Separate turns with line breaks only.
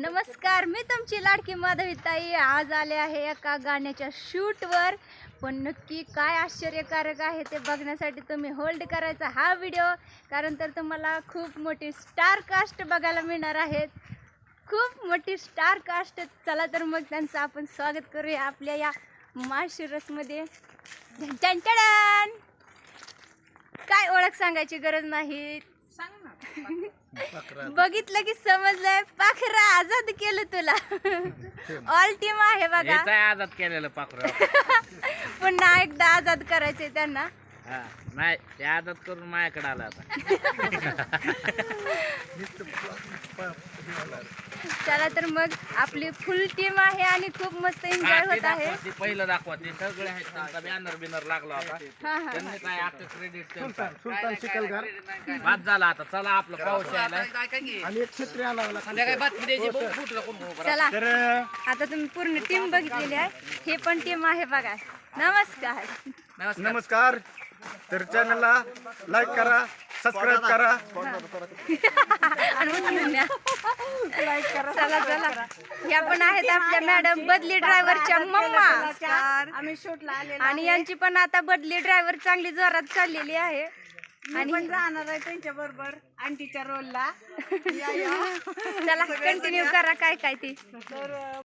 नमस्कार, मी तुमची लाडकी माधवी ताई आज आले आहे एका गाण्याच्या शूटवर. पण नक्की काय आश्चर्यकारक आहे ते बघण्यासाठी तुम्ही होल्ड करायचा हा व्हिडिओ, कारण तर तुम्हाला खूप मोठी स्टार कास्ट बघायला मिळणार आहेत. खूप मोठी स्टार कास्ट. चला तर मग त्यांचं आपण स्वागत करूया आपल्या या माशिरसमध्ये. काय ओळख सांगायची गरज नाही, बघितलं की समजलंय. पाखरा आजाद केलं तुला. ऑल टीम आहे बघा.
आजाद केलेलं पाखरू.
पुन्हा एकदा आजाद करायचंय त्यांना.
नाही ते आजाद करून माझ्याकडे आला आता.
चला तर मग आपली फुल टीम आहे आणि खूप मस्त एन्जॉय होत आहे.
पहिलं दाखवा ते सगळे आहेत. त्यांचा बॅनर बिनर लागला होता. त्यांनी काय आपलं क्रेडिट
सुलतान शिकलगार
बाद झाला. आता चला आपलं पाऊस यायला.
आणि एक छत्री आणावं
चला आता तुम्ही पूर्ण टीम बघितलेली आहे. हे पण टीम आहे बघा. नमस्कार.
नमस्कार. तर चॅनलला लाईक करा, सबस्क्राईब करा.
चला चला, या पण आहेत आपल्या मॅडम बदली ड्रायव्हरच्या मम्मा.
आम्ही शूटला आलेलो
आणि यांची पण आता बदली ड्रायव्हर चांगली जोरात चाललेली आहे.
आणि पण जाणार आहे त्यांच्या बरोबर आंटीच्या रोलला.
चला कंटिन्यू करा काय काय ते.
तर